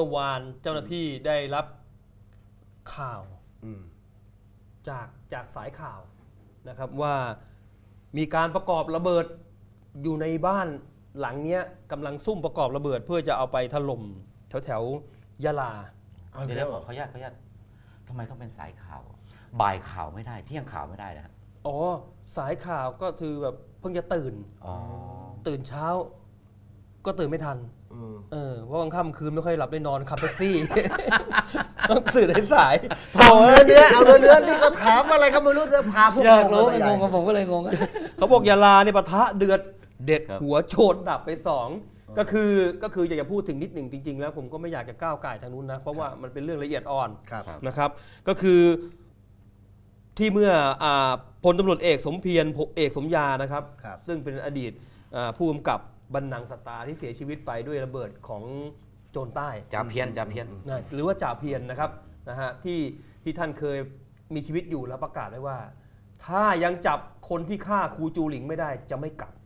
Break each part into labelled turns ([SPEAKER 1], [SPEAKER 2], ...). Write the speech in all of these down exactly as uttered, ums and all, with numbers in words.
[SPEAKER 1] วานเจ้าหน้าที่ได้รับข่าวจากจากสายข่าวนะครับว่ามีการประกอบระเบิดอยู่ในบ้านหลังเนี้ยกำลังซุ่มประกอบระเบิดเพื่อจะเอาไปถล่มแถวแถวยะลา
[SPEAKER 2] เดี๋ยวขออนุญาตขออนุญาตทำไมต้องเป็นสายข่าวบ่ายข่าวไม่ได้เที่ยงข่าวไม่ได้นะฮะ
[SPEAKER 1] อ๋อสายข่าวก็คือแบบเพิ่งจะตื่นตื่นเช้าก็ตื่นไม่ทันเออเพราะกลางค่ำคืนไม่ค่อยหลับได้นอนขับแท็กซี่ต้องสื่อในสาย
[SPEAKER 3] โถ่เนื้อเอาเนื้อเนื้อนี่ก็ถามอะไรก็ไม่รู้จะพาพวก
[SPEAKER 2] เรารู้งงกับผมก็เลยงง
[SPEAKER 1] เขาบอกยาลาเนี่ยปะทะเดือดเด็ดหัวโจรดับไปสองก็คือก็คืออยากจะพูดถึงนิดหนึ่งจริงๆแล้วผมก็ไม่อยากจะก้าวไก่ทางนู้นนะเพราะว่ามันเป็นเรื่องละเอียดอ่อนนะครับก็คือที่เมื่อพลตำรวจเอกสมเพียรเอกสมยานะครับซึ่งเป็นอดีตผู้กำกับบรรณังสตาที่เสียชีวิตไปด้วยระเบิดของโจรใต้
[SPEAKER 2] จ่าเพียรจ่าเพียร
[SPEAKER 1] หรือว่าจ่าเพียรนะครับนะฮะที่ที่ท่านเคยมีชีวิตอยู่แล้วประกาศไว้ว่าถ้ายังจับคนที่ฆ่าครูจูหลิงไม่ได้จะไม่กลับ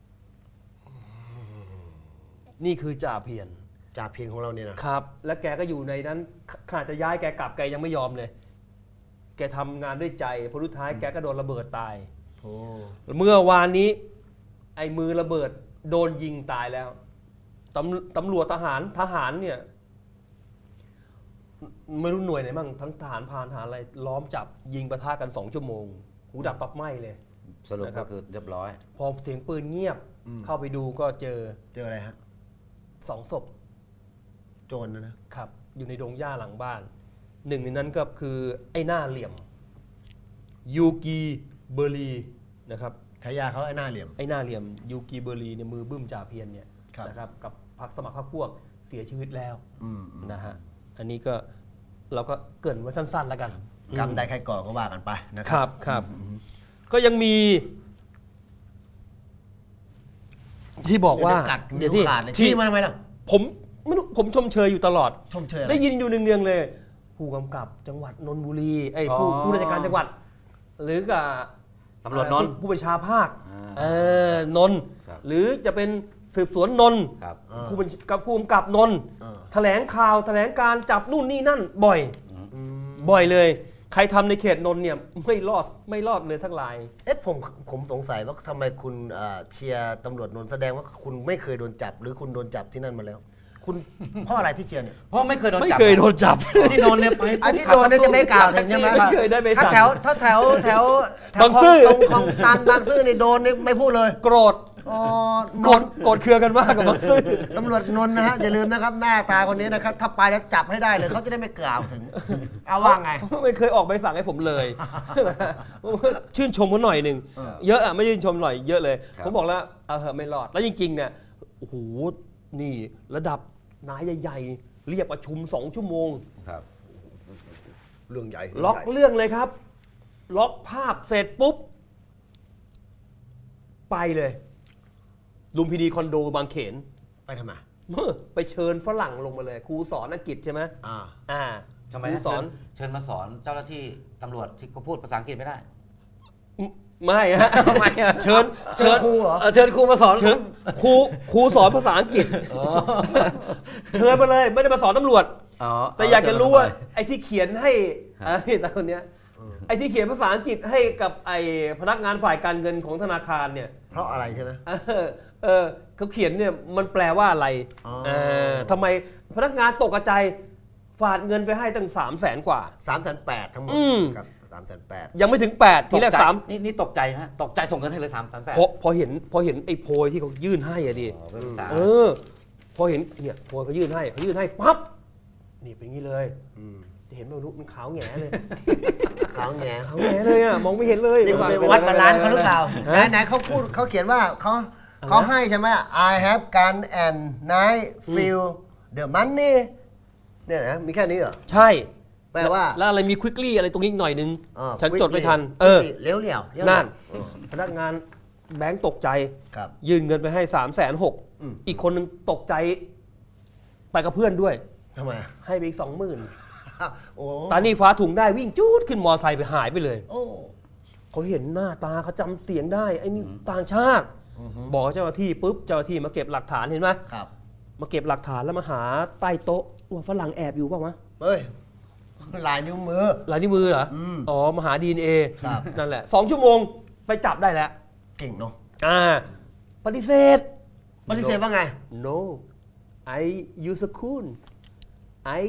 [SPEAKER 1] นี่คือจ่าเพียร
[SPEAKER 3] จ่าเพียรของเราเนี่ย
[SPEAKER 1] นะครับและแกก็อยู่ในนั้นขาดจะย้ายแกกลับแกยังไม่ยอมเลยแกทำงานด้วยใจพอสุดท้ายแกก็โดนระเบิดตายเมื่อวานนี้ไอ้มือระเบิดโดนยิงตายแล้วตำตำรวจทหารทหารเนี่ยไม่รู้หน่วยไหนบ้างทั้งทหารพรานทหารอะไรล้อมจับยิงปะทะกันสองชั่วโมงหูดับปับไหม้เลย
[SPEAKER 2] สรุปก็คือเรียบร้อย
[SPEAKER 1] พอเสียงปืนเงียบเข้าไปดูก็เจอ
[SPEAKER 3] เจออะไรฮะ
[SPEAKER 1] สองศพ
[SPEAKER 3] โจรนะ
[SPEAKER 1] นะครับอยู่ในดงหญ้าหลังบ้านหนึ่งในนั้นก็คือไอ้หน้าเหลี่ยมยูกีเบอร์ลีนะครับ
[SPEAKER 3] ฉายาเขาไอ้หน้าเหลี่ยม
[SPEAKER 1] ไอ้หน้าเหลี่ยมยูกีเบอร์ลีเนี่ยมือบึ้มจ่าเพียรเนี่ยนะครับกับพรรคสมัครพรรคพวกเสียชีวิตแล้วนะฮะอันนี้ก็เราก็เกริ่นไว้สั้นๆแล้วกัน
[SPEAKER 3] กรรมใดใครก่อก็ว่ากันไป
[SPEAKER 1] นะครับครับก็ยังมีที่บอกว่า
[SPEAKER 3] เดี๋ยวที่ที่มาทำไมล่ะ
[SPEAKER 1] ผมไม่รู้ผมชมเชยอยู่ตลอด
[SPEAKER 3] ชมเชย
[SPEAKER 1] ได้ยินอยู่เนืองๆเลยผู้กำกับจังหวัดนนทบุรีไอ้ผู้ผู้ราชการจังหวัดหรือกับ
[SPEAKER 2] ตำรวจนนท์
[SPEAKER 1] ผู้บัญชาภาคเออนนท์หรือจะเป็นสืบสวนนนท์ผู้บัญกับผู้กำกับนนท์แถลงข่าวแถลงการจับนู่นนี่นั่นบ่อยบ่อยเลยใครทำในเขตนนท์เนี่ยไม่รอดไม่รอดเลยสักราย
[SPEAKER 3] เอ๊ะผมผมสงสัยว่าทำไมคุณเชียร์ตำรวจนนท์แสดงว่าคุณไม่เคยโดนจับหรือคุณโดนจับที่นั่นมาแล้วคุณเพราะอะไรที่เชียร์เนี่ย
[SPEAKER 2] เพราะไม่เคยโดนจับ
[SPEAKER 1] ไม่เคยโดนจับ
[SPEAKER 2] ที่นนท์เนี่ยไป
[SPEAKER 3] ที่โดนเนี่ยจะไม่กล่าวถึงใช่ไหม
[SPEAKER 1] ไม่เคยได้ไป
[SPEAKER 3] ถ้าแถวถ้าแถวแถว
[SPEAKER 1] บางซื่อ
[SPEAKER 3] ตรงคลองตันบางซื่อนี่โดนนี่ไม่พูดเลย
[SPEAKER 1] โกรธโกรธโกรธเคืองกันมากกับบางซื่อ
[SPEAKER 3] ตำรวจนนท์นะฮะอย่าลืมนะครับหน้าตาคนนี้นะครับถ้าไปแล้วจับให้ได้เลยเขาจะได้ไม่กล่าวถึงเอาว่าไง
[SPEAKER 1] ไม่เคยออกใบสั่งให้ผมเลยชื่นชมเขาหน่อยหนึ่งเยอะอ่ะไม่ชื่นชมหน่อยเยอะเลยผมบอกแล้วเออไม่รอดแล้วจริงๆเนี่ยโอ้โหนี่ระดับนายใหญ่ๆเรียกประชุมสองชั่วโมง
[SPEAKER 2] ครับ
[SPEAKER 3] เรื่องใหญ่
[SPEAKER 1] ล็อกเรื่องเลยครับล็อกภาพเสร็จปุ๊บไปเลยลุมพินีคอนโดบางเขน
[SPEAKER 3] ไปทำไม
[SPEAKER 1] ไปเชิญฝรั่งลงมาเลยครูสอนอังกฤษใช่ไหม
[SPEAKER 3] อ่า
[SPEAKER 1] อ่า
[SPEAKER 2] ทำไมสอนเชิญมาสอนเจ้าหน้าที่ตำรวจที่เขาพูดภาษาอังกฤษไม่ได้
[SPEAKER 1] ไม่ฮะ
[SPEAKER 2] ทำไม
[SPEAKER 1] เชิญ
[SPEAKER 3] เชิญครูเหรอ
[SPEAKER 2] เชิญครูมาสอน
[SPEAKER 1] เชิญครูครูสอนภาษาอังกฤษเชิญมาเลยไม่ได้มาสอนตำรวจแต่อยากจะรู้ว่าไอ้ที่เขียนให้ไอ้ตาคนเนี้ยไอ้ที่เขียนภาษาอังกฤษให้กับไอ้พนักงานฝ่ายการเงินของธนาคารเนี่ย
[SPEAKER 3] เพราะอะไรใช่ไหม
[SPEAKER 1] เออเขาเขียนเนี่ยมันแปลว่าอะไรทำไมพนักงานตกใจฝากเงินไปให้ตั้งสามแสนกว่า
[SPEAKER 3] สามแสนแปดทั้งหมดครับสามแสนแปด
[SPEAKER 1] ยังไม่ถึงแปดทีแรกสาม
[SPEAKER 2] นี่นี่ตกใจฮะตกใจส่งเงินให้เลยสามแสนแปด
[SPEAKER 1] พอพอเห็นพอเห็นไอ้โพยที่เขายื่นให้อะดิเออพอเห็นเนี่ยโพยเขายื่นให้เขายื่นให้ปั๊บนี่เป็นงี้เลยจะเห็นไม่รู้มันขาวแง่เลย
[SPEAKER 3] ขาวแง่
[SPEAKER 1] ขาวแง่เลยอ่ะมองไม่เห็นเลย
[SPEAKER 3] นี่เป็นวัดบาลานซ์เขาหรือเปล่าไหนไหนเขาพูดเขาเขียนว่าเขาเขาให้ใช่ไหม I have gun and knife feel the money เนี่ยนะมีแค่นี้เหรอ
[SPEAKER 1] ใช่
[SPEAKER 3] แปลว่า
[SPEAKER 1] แล้วอะไรมีควิกลี่อะไรตรงนี้หน่อยนึงฉันจดไม่ทัน
[SPEAKER 3] เออเลี้ยวเหลี่ยว
[SPEAKER 1] นั่นพนักงานแบงก์ตกใจยื่นเงินไปให้สามแสนหกอีกคนนึงตกใจไปกับเพื่อนด้วย
[SPEAKER 3] ทำไม
[SPEAKER 1] ให้ไปอีกสองหมื่นตานี่ฟ้าถุงได้วิ่งจู๊ดขึ้นมอไซค์ไปหายไปเลยเขาเห็นหน้าตาเขาจำเสียงได้ไอ้นี่ต่างชาติบอกเจ้าหน้าที่ปุ๊บเจ้าหน้าที่มาเก็บหลักฐานเห็นไหมมาเก็บหลักฐานแล้วมาหาใต้โต๊ะว่าฝรั่งแอบอยู่เปล่าวะ
[SPEAKER 3] เฮ้ยลายนิ้วมือ
[SPEAKER 1] ลายนิ้วมือเหรอ
[SPEAKER 3] อืม
[SPEAKER 1] อ๋อมาหา ดี เอ็น เอ
[SPEAKER 3] ครับ
[SPEAKER 1] นั่นแหละสองชั่วโมงไปจับได้แล้ว
[SPEAKER 3] เก่งเนาะ
[SPEAKER 1] อ่าปฏิเสธ
[SPEAKER 3] ปฏิเสธว่าไง
[SPEAKER 1] no I use a cool I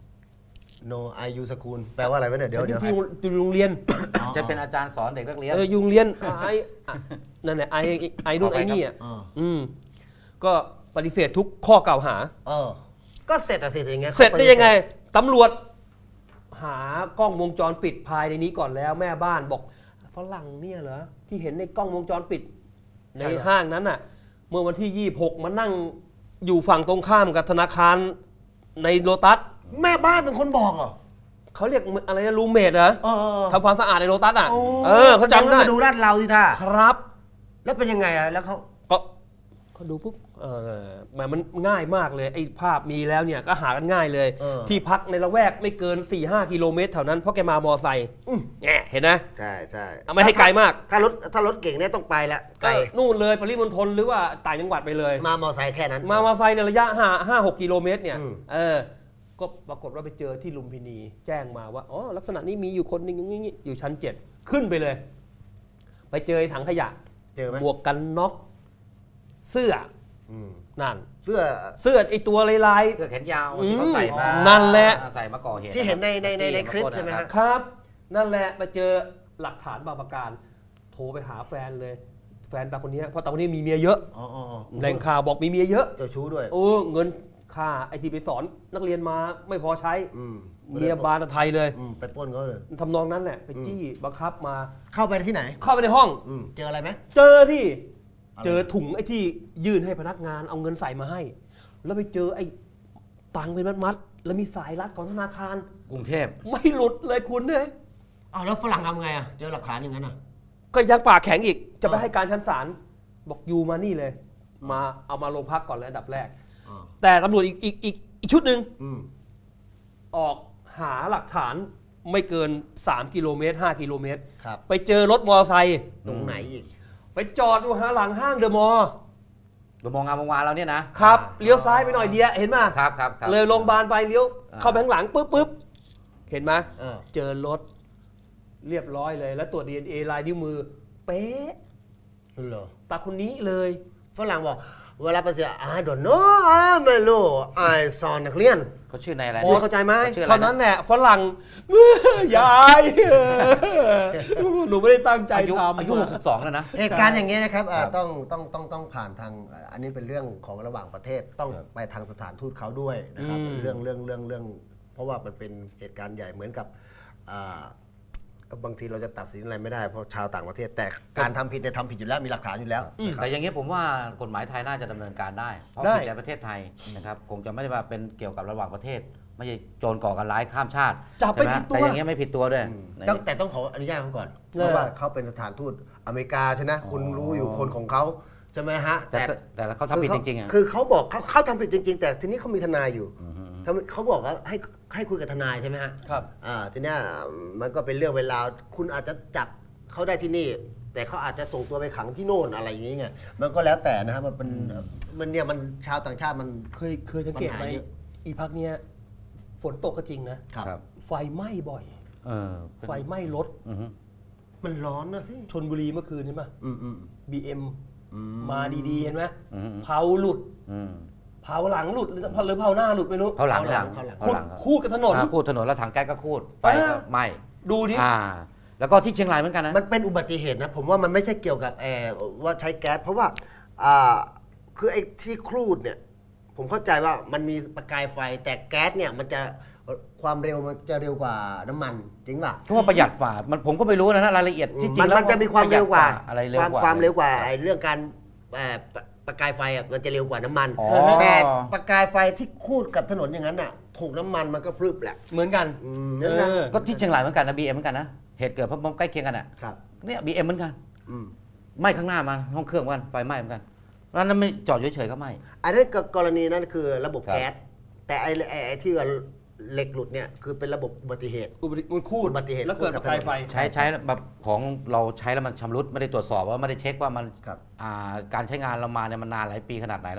[SPEAKER 3] no I use school แปลว่าอะไรวะเนี่ยเดี๋ยวเดี๋ยว
[SPEAKER 1] ที่อยู่โรงเรียน
[SPEAKER 2] จะเป็นอาจารย์สอนเด็กนักเรียน
[SPEAKER 1] เออยุงเรียนไอ้อ่ะนั่นแหละไอ้ไอ้นู่น
[SPEAKER 2] เอาไป
[SPEAKER 1] ไอ้นี่อ่ะ
[SPEAKER 3] อ่า
[SPEAKER 1] อืมก็ปฏิเสธทุกข้อกล่าวหา
[SPEAKER 3] เออก็เสร็จอะสิอย่างเงี้ย
[SPEAKER 1] เสร็จได้ยังไงตำรวจ หากล้องวงจรปิดภายในนี้ก่อนแล้วแม่บ้านบอกฝรั่งเนี่ยเหรอที่เห็นในกล้องวงจรปิด ในห้างนั้นน่ะ เมื่อวันที่ยี่สิบหกมานั่งอยู่ฝั่งตรงข้ามกับธนาคารในโลตัส
[SPEAKER 3] แม่บ้านเป็นคนบอกเหรอ
[SPEAKER 1] เขาเรียกอะไรนะรูมเมทเหรอ
[SPEAKER 3] เออเออ
[SPEAKER 1] ทำความสะอาดในโลตัสอ่ะ
[SPEAKER 3] โอ้
[SPEAKER 1] เออเขาจำได้
[SPEAKER 3] มาดูลาดเราสิท่า
[SPEAKER 1] ครับ
[SPEAKER 3] แล้วเป็นยังไงอะแล้วเขา
[SPEAKER 1] ก็เขาดูปุ๊บเออแหมมันง่ายมากเลยไอ้ภาพมีแล้วเนี่ยก็หากันง่ายเลย
[SPEAKER 3] เออ
[SPEAKER 1] ที่พักในละแวกไม่เกิน สี่ห้า กิโลเมตรแถวนั้นเพราะแกมามอไซค์
[SPEAKER 3] อืม
[SPEAKER 1] แง่เห็นนะ
[SPEAKER 3] ใช่ใช่
[SPEAKER 1] เอาไม่ให้ไกลมาก
[SPEAKER 3] ถ้ารถถ้ารถเก่งเนี่ยต้องไปละไกล
[SPEAKER 1] ก็นู่นเลยปริมณฑลหรือว่าต่างจังหวัดไปเลย
[SPEAKER 3] มามอไซค์แค่นั้น
[SPEAKER 1] มามอไซค์ในระยะห้าห้าหกกิโลเมตรเนี่ย
[SPEAKER 3] อืม
[SPEAKER 1] เออก็ปรากฏว่าไปเจอที่ลุมพินี แจ้งมาว่าอ๋อลักษณะนี้มีอยู่คนหนึงอย่างนี้อยู่ชั้นเจ็ดขึ้นไปเลย ไปเจอไอ้ถังขยะ
[SPEAKER 3] เจอไหม
[SPEAKER 1] หมวกกันน็อกเสื้อ
[SPEAKER 3] อืม
[SPEAKER 1] นั่น
[SPEAKER 3] เสื้อ
[SPEAKER 1] เสื้อไอตัวลาย
[SPEAKER 2] เสื้อแขนยาว
[SPEAKER 1] อืม
[SPEAKER 2] ที่เขาใส่มา
[SPEAKER 1] นั่นแหละ
[SPEAKER 2] ใส่มาก่อเหตุ
[SPEAKER 3] ที่เห็นในในในในคลิป
[SPEAKER 2] ขอโทษ
[SPEAKER 3] ใช่ไหม
[SPEAKER 2] นะ
[SPEAKER 3] ฮะ
[SPEAKER 1] ๆครับ นั่นแหละไปเจอหลักฐานบางประการ โทรไปหาแฟนเลย แฟนตาคนเนี้ยเพราะตาคนนี้มีเมียเยอะ
[SPEAKER 3] อ๋ออ๋ออ๋อ
[SPEAKER 1] แหล่งข่าวบอกมีเมียเยอะ
[SPEAKER 3] เจ้าชู้ด้วย
[SPEAKER 1] โอ้เงินค่าไอทีไปสอนนักเรียนมาไม่พอใช้
[SPEAKER 3] อืม
[SPEAKER 1] เมียบานไทยเลย
[SPEAKER 3] อืมไปปล้นเขาเลย
[SPEAKER 1] ทำนองนั้นแหละไปจี้บังคับมา
[SPEAKER 3] เข้าไปที่ไหน
[SPEAKER 1] เข้าไปในห้อง
[SPEAKER 3] อืมเจออะไรไหม
[SPEAKER 1] เจอที่
[SPEAKER 3] อะไร
[SPEAKER 1] เจอถุงไอ้ที่ยื่นให้พนักงานเอาเงินใส่มาให้ แล้วไปเจอไอ้ตังค์เป็นมัดๆแล้วมีสายรัดของธนาคาร
[SPEAKER 2] กรุงเทพ
[SPEAKER 1] ไม่หลุดเลยคุณเนี่ย
[SPEAKER 3] อ้าวแล้วฝรั่งทำไงอ่ะเจอหลักฐานอย่างนั้นอ่ะ
[SPEAKER 1] ก็ยังปากแข็งอีกจะไป
[SPEAKER 3] อ่า
[SPEAKER 1] ให้การชั้นศาลบอกยูมานี่เลย มาเอามาโรงพักก่อนเลยอันดับแรก
[SPEAKER 3] อ๋อ
[SPEAKER 1] แต่ตำรวจอีกอีกอีกอีกชุดหนึ่ง
[SPEAKER 3] อืม
[SPEAKER 1] ออกหาหลักฐานไม่เกิน สาม กิโลเมตร ห้า กิโลเมตร
[SPEAKER 3] ครับ
[SPEAKER 1] ไปเจอรถมอเตอร์ไซค์
[SPEAKER 3] ตรงไหนอีก
[SPEAKER 1] ไปจอดอยู่หาหลังห้างเดอะมอลล์
[SPEAKER 2] ดูมองงามมองวานเราเนี่ยนะครับ
[SPEAKER 1] เลี้ยวซ้ายไปหน่อยเดียวเห็นไหม
[SPEAKER 2] ครับครับครับ
[SPEAKER 1] เลยโรงพยาบาลไปเลี้ยว
[SPEAKER 2] อ่า
[SPEAKER 1] เข้าไปข้างหลังปุ๊บปุ๊บเห็นไหม
[SPEAKER 3] เออ
[SPEAKER 1] เจอรถเรียบร้อยเลย แล้วตรวจ ดี เอ็น เอ ลายนิ้วมือ เป๊ะ
[SPEAKER 3] เหรอ
[SPEAKER 1] ตาคนนี้เลย
[SPEAKER 3] ฝรั่งบอกเวลาไปเจอ I don't know อ่าไม่รู้ I สอนนักเรียน
[SPEAKER 2] เขาชื่อในอะไร
[SPEAKER 3] พอเข้าใจไหม
[SPEAKER 2] ขชื่ออะไร
[SPEAKER 1] เท่านั้นแหละฝรั่ง ยายหนูไม่ได้ตั้งใจ
[SPEAKER 2] อายุ
[SPEAKER 1] ทำ
[SPEAKER 2] อายุหกสิบสองแล้วนะ
[SPEAKER 3] เหตุการณ์อย่างเงี้ยนะครับเอ่อ
[SPEAKER 2] ครับ
[SPEAKER 3] ต้องต้องต้องต้องผ่านทางเอ่ออันนี้เป็นเรื่องของระหว่างประเทศต้อง
[SPEAKER 2] ครับ
[SPEAKER 3] ไปทางสถานทูตเขาด้วยนะครับ
[SPEAKER 1] อืม
[SPEAKER 3] เรื่องเรื่องเรื่องเรื่อง เพราะว่ามันเป็นเหตุการณ์ใหญ่เหมือนกับอ่าบางทีเราจะตัดสินอะไรไม่ได้เพราะชาวต่างประเทศ แต่การทำผิดเนี่ยทำผิดอยู่แล้วมีหลักฐานอยู่แล้วนะครับ
[SPEAKER 2] แต่อย่างนี้ผมว่ากฎหมายไทยน่าจะดำเนินการได้ เพราะ
[SPEAKER 1] ได้
[SPEAKER 2] ผิดในประเทศไทยนะครับคงจะไม่ได้ว่าเป็นเกี่ยวกับระหว่างประเทศ ไม่ใช่โจรก่อการร้ายข้ามชาติ
[SPEAKER 1] จับไม่
[SPEAKER 2] ใช่ห
[SPEAKER 1] ผิดตัว
[SPEAKER 2] แต่อย่างเงี้ยไม่ผิดตัวด้วย
[SPEAKER 3] ต้องแต่ต้องขออนุญาตเขาก่อน
[SPEAKER 1] เออ
[SPEAKER 3] เพราะว่าเขาเป็นสถานทูตอเมริกาใช่ไหมคุณรู้อยู่คนของเขาใช่ไหมฮะ
[SPEAKER 2] แต่แต่เขาทำผิดจริงๆอ่ะ
[SPEAKER 3] คือเขาบอกเขาเขาทำผิดจริง ๆ แต่ทีนี้เขามีทนายอยู่ทำเขาบอกว่าให้ให้คุยกับทนายใช่ไหมฮะ
[SPEAKER 1] ครับ
[SPEAKER 3] อ่าทีเนี้ยมันก็เป็นเรื่องเวลาวคุณอาจจะจับเขาได้ที่นี่ แต่เขาอาจจะส่งตัวไปขังที่โน่นอะไรอย่างเงี้ยมันก็แล้วแต่นะครับมันเป็นมันเนี่ยมันชาวต่างชาติมัน
[SPEAKER 1] เคยเคยสังเกตไหม
[SPEAKER 3] ปัญหาเยอะ
[SPEAKER 1] อีพักเนี้ยฝนตกก็จริงนะ
[SPEAKER 3] ครับ
[SPEAKER 2] ครับ
[SPEAKER 1] ไฟไหม้บ่อย
[SPEAKER 2] เออ
[SPEAKER 1] ไฟไหม้รถ
[SPEAKER 2] อือฮึ
[SPEAKER 3] มันร้อนนะสิ
[SPEAKER 1] ชนบุรีเมื่อคืนใช่ไหม
[SPEAKER 3] อืมอืม
[SPEAKER 1] บีเอ็ม
[SPEAKER 3] อืม
[SPEAKER 1] มาดีๆเห็นไหม
[SPEAKER 2] อืม
[SPEAKER 1] เผาหลุด
[SPEAKER 2] อืม
[SPEAKER 1] เผาหลังหลุดหรือหรือเผาหน้าหลุดไม่รู้
[SPEAKER 2] เขาหลัง
[SPEAKER 3] เขาหลัง
[SPEAKER 2] เขาหลัง
[SPEAKER 1] คูด
[SPEAKER 2] เขาหลังครับ
[SPEAKER 1] คูดกับถนน
[SPEAKER 2] อ่าคูดถนนแล้วถังแก๊สก็คูดไฟ
[SPEAKER 1] อ่า
[SPEAKER 2] ก็ไหม้
[SPEAKER 1] ดูดิ
[SPEAKER 2] อ่า แล้วก็ที่เชียงรายเหมือนกันนะ
[SPEAKER 3] มันเป็นอุบัติเหตุนะ ผมว่ามันไม่ใช่เกี่ยวกับแอร์ว่าใช้แก๊สเพราะว่าอ่าคือไอ้ที่ครูดเนี่ย ผมเข้าใจว่ามันมีประกายไฟ แต่แก๊สเนี่ยมันจะความเร็วมันจะเร็วกว่าน้ำมันจริงป่ะ
[SPEAKER 2] เพราะว่าประหยัดกว่ามันผมก็ไม่รู้นะนะรายละเอียดที่จริ
[SPEAKER 3] มั
[SPEAKER 2] ง
[SPEAKER 3] น
[SPEAKER 2] แล้ว
[SPEAKER 3] มันจะมีความเร็วกว่า
[SPEAKER 2] อะไรเร็ว
[SPEAKER 3] ความ
[SPEAKER 2] กว่า
[SPEAKER 3] ความเร็วกว่าไอ้เรื่องการเอ่อประประกายไฟอ่ะมันจะเร็วกว่าน้ำมัน
[SPEAKER 2] อ๋อ
[SPEAKER 3] แต่ประกายไฟที่คูดกับถนนอย่างนั้นน่ะถูกน้ำมันมันก็พรึบแหละ
[SPEAKER 1] เหมือนกัน
[SPEAKER 3] อืม
[SPEAKER 1] เอ
[SPEAKER 3] นั่นนะ
[SPEAKER 1] อ
[SPEAKER 2] ก็ที่เชียงรายเหมือนกันนะบีเอ็มเหมือนกันนะเหตุเกิดเพราะใกล้เคียงกันอ่ะ
[SPEAKER 3] ครับ
[SPEAKER 2] เนี่ยบีเอ็มเหมือนกัน
[SPEAKER 3] อืม
[SPEAKER 2] ไหม้ข้างหน้ามันห้องเครื่องเหมือนกันไฟไหม้เหมือนกันแล้วนั้นไม่จอดเฉยๆก็ไหม้
[SPEAKER 3] อันนั้นก็กรณีนั้นคือระบบ
[SPEAKER 2] ครับ
[SPEAKER 3] แก๊สแต่ไอ้ไอ้ไอ้ที่ว่าเหล็กหลุดเนี่ยคือเป็นระบบอุบัติเหตุ
[SPEAKER 1] อุบัติมันคูด
[SPEAKER 3] อุบัติเหตุ
[SPEAKER 1] แล้วเกิดประกายไฟ
[SPEAKER 2] ใช้ใช้แบบของเราใช้แล้วมันชำรุดไม่ได้ตรวจสอบว่าไม่ได้เช็คว่ามัน
[SPEAKER 3] ครับ
[SPEAKER 2] อ่าการใช้งานเรามาเนี่ยมันนานหลายปีขนาดไหนแล้ว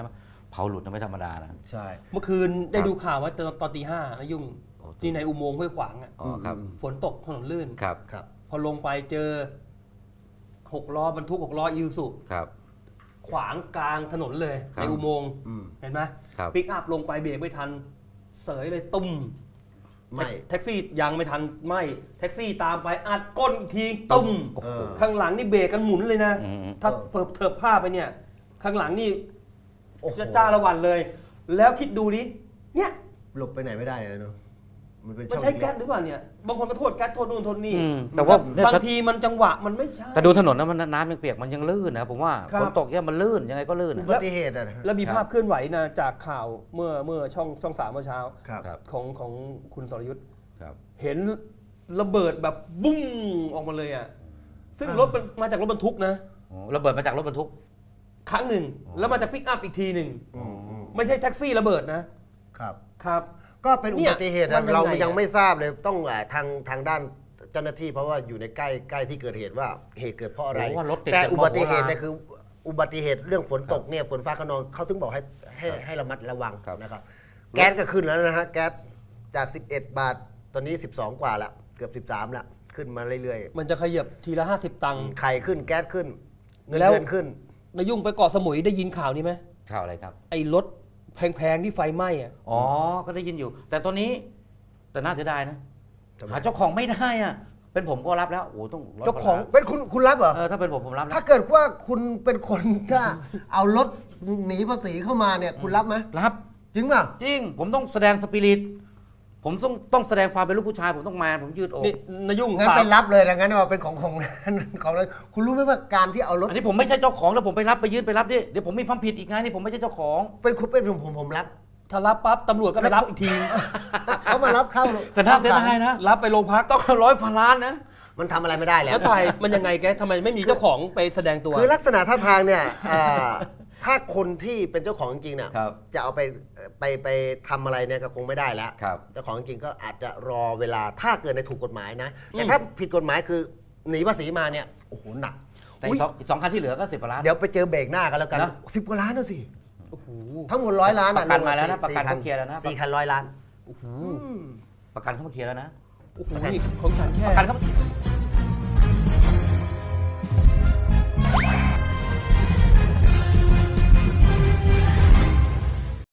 [SPEAKER 2] เผาหลุดนะไม่ธรรมดานะ
[SPEAKER 3] ใช่
[SPEAKER 1] เมื่อคืนได้ดูข่าวว่าตอนตอนตีห้านะยุ่ง
[SPEAKER 2] โอ้
[SPEAKER 1] ที่ในอุโมงค์ห้วยขวางอ่ะ
[SPEAKER 2] อ๋อครับ
[SPEAKER 1] ฝนตกถนนลื่น
[SPEAKER 2] ครับ
[SPEAKER 3] ครับ
[SPEAKER 1] พอลงไปเจอหกล้อบรรทุกหกล้ออิวสุ
[SPEAKER 2] ครับ
[SPEAKER 1] ขวางกลางถนนเลย
[SPEAKER 2] ครับ
[SPEAKER 1] ในอุโมงค์
[SPEAKER 3] อืม
[SPEAKER 1] เห็นไหม
[SPEAKER 2] ครับ
[SPEAKER 1] ปิกอัพลงไปเบรกไม่ทัน เสยเลยตุ้ม
[SPEAKER 3] ไม่
[SPEAKER 1] แท็กซี่ยังไม่ทันไม่แท็กซี่ตามไปอัดก้นอีกทีตุ้ม
[SPEAKER 3] โอ้โห
[SPEAKER 1] ข้างหลังนี่เบรกกันหมุนเลยนะ
[SPEAKER 2] อืม
[SPEAKER 1] ถ้าเปิดเถิบผ้าไปเนี่ย ข้างหลังนี่
[SPEAKER 3] โอ้โห
[SPEAKER 1] จะจ้าละวันเลย แล้วคิดดูดิเนี่ย
[SPEAKER 3] หลบไปไหนไม่ได้เลยเนาะมันเป็น
[SPEAKER 1] มัน
[SPEAKER 3] ช่อง
[SPEAKER 1] ใช้แก๊สหรือเปล่าเนี่ยบางคนก็โทษแก๊สโทษนู่นโทษนี่
[SPEAKER 2] อืมแต่ว่าเนี่ย
[SPEAKER 1] บาง
[SPEAKER 2] ถ้า
[SPEAKER 1] ทีมันจังหวะมันไม่ใช่
[SPEAKER 2] แต่ดูถนนนะมันน้ำยังเปียกมันยังลื่นนะผมว่า
[SPEAKER 1] ครับ
[SPEAKER 2] ฝนตกเนี่ยมันลื่นยังไงก็ลื่น
[SPEAKER 3] อุ
[SPEAKER 2] นะ
[SPEAKER 3] บัติเหตุอะนะ
[SPEAKER 1] แล้วมี
[SPEAKER 2] ครับ
[SPEAKER 1] ภาพเคลื่อนไหวนะจากข่าวเมื่อเมื่อช่องช่องสามเมื่อเช้า
[SPEAKER 3] ครับ
[SPEAKER 2] ครับ
[SPEAKER 1] ของของคุณสรยุทธ์
[SPEAKER 2] ครับ
[SPEAKER 1] เห็นระเบิดแบบบุ้งออกมาเลยอ่ะซึ่งรถมันมาจากรถบรรทุกนะ
[SPEAKER 2] โอ้ระเบิดมาจากรถบรรทุก
[SPEAKER 1] ครั้งหนึ่งแล้วมาจากปิกอัพอีกทีหนึ่ง
[SPEAKER 3] อืมอืม
[SPEAKER 1] ไม่ใช่แท็กซี่ระเบิดนะครับ ครับ
[SPEAKER 3] ก็เป็นอุบัติเหตุ
[SPEAKER 1] เนี่ยมันยังไง
[SPEAKER 3] อะเรา
[SPEAKER 1] อะ
[SPEAKER 3] ยังไม่ทราบเลยต้องอ่าทางทางด้านเจ้าหน้าที่เพราะว่าอยู่ในใกล้ใกล้ที่เกิดเหตุว่าเหตุเกิดเพราะอะไร
[SPEAKER 2] โอ้ว่ารถติด
[SPEAKER 3] แต่
[SPEAKER 2] เป็น
[SPEAKER 3] อุบัติเหตุ
[SPEAKER 2] โบราณ
[SPEAKER 3] เนี่ยคืออุบัติเหตุเรื่องฝนตกเนี่ยฝนฟ้าขนองเขาถึงบอกให้ให้ให้ระมัดระวัง
[SPEAKER 2] ครับ
[SPEAKER 3] นะครับแก๊สก็ขึ้นแล้วนะฮะแก๊สจาก สิบเอ็ด บาท ตอนนี้ สิบสอง กว่าละเกือบ สิบสามละขึ้นมาเรื่อย
[SPEAKER 1] มันจะขยับทีละห้าสิบตังค์
[SPEAKER 3] ๆไข่ขึ้นแก๊สขึ้น เงิน
[SPEAKER 1] แล้ว
[SPEAKER 3] เดือนขึ้น
[SPEAKER 1] นายุ่งไปเกาะสมุยได้ยินข่าวนี้ไหม
[SPEAKER 2] ข่าวอะไรครับ
[SPEAKER 1] ไอ้รถแพงๆที่ไฟไหม้อะ
[SPEAKER 2] อ๋อ ก็ได้ยินอยู่ แต่ตอนนี้แต่น่าเสียดายนะ
[SPEAKER 3] ทำไม
[SPEAKER 2] หาเจ้าของไม่ได้อะเป็นผมก็รับแล้วโอ้โหต้องร้ย
[SPEAKER 1] เจ้าของ
[SPEAKER 3] เป็นคุณคุณรับเหรอ
[SPEAKER 2] เออถ้าเป็นผมผมรับนะ
[SPEAKER 3] ถ้าเกิดว่าคุณเป็นคนถ้าเอารถหนีภาษีเข้ามาเนี่ยคุณรับไหม
[SPEAKER 2] รับ
[SPEAKER 3] จริงป่ะ
[SPEAKER 2] จริง ผมต้องแสดงสปิริตผมต้องต้องแสดงความเป็นลูกผู้ชาย ผมต้องมาผมยืดอก
[SPEAKER 1] นี่นายุ่ง
[SPEAKER 3] งั้น
[SPEAKER 1] สา
[SPEAKER 3] ไป
[SPEAKER 1] ม
[SPEAKER 3] รับเลยนะงั้นว่าเป็นของของ ของเลยคุณรู้ไหมว่าการที่เอารถ
[SPEAKER 2] อันนี้ผมไม่ใช่เจ้าของแล้วผมไปรับไปยื่นไปรับดิเดี๋ยวผมมีความผิดอีกไงนี่ผมไม่ใช่เจ้าของ
[SPEAKER 3] เป็นคุณเป็นผมผมผมรับ
[SPEAKER 1] ถ้ารับปั๊บตำรวจก็ไปรับอีกที
[SPEAKER 3] เขามารับเข้า
[SPEAKER 2] แต่น่าเสียดายนะ
[SPEAKER 1] รับไปโรงพัก
[SPEAKER 2] ต้องร้อยพันล้านนะ
[SPEAKER 3] มันทำอะไรไม่ได้แล้ว
[SPEAKER 1] แล้วถ่ายมันยังไงแกทำไมไม่มีเจ้าของไปแสดงตัว
[SPEAKER 3] คือลักษณะท่าทางเนี่ยอ่าถ้าคนที่เป็นเจ้าของจริงๆเนี่ย
[SPEAKER 2] ครับ
[SPEAKER 3] จะเอาไปไปไปทำอะไรเนี่ยก็คงไม่ได้แล้ว
[SPEAKER 2] ครับ
[SPEAKER 3] เจ้าของจริงก็อาจจะรอเวลาถ้าเกิดในถูกกฎหมายนะแต่ถ้าผิดกฎหมายคือหนีภาษีมาเนี่ยโอ้โหหนัก
[SPEAKER 2] แต่อีกสองอีกสองคันที่เหลือก็สิบกว่าล้าน
[SPEAKER 3] เดี๋ยวไปเจอเบรกหน้ากันแล้วกัน
[SPEAKER 2] นะ
[SPEAKER 3] สิบกว่าล้านนะสิ
[SPEAKER 1] โอ้โห
[SPEAKER 3] ทั้งหมดร้อยล้าน
[SPEAKER 2] ประกันมาแล้วนะประกันเขาเคลียร์แล้วนะ
[SPEAKER 3] สี่คันร้อยล้าน
[SPEAKER 1] โอ้โห
[SPEAKER 3] อืม
[SPEAKER 2] ประกันเข้ามาเคลียร์แล้วนะ
[SPEAKER 1] โอ้โหนี่ของฉันแค่
[SPEAKER 2] ประกันเขา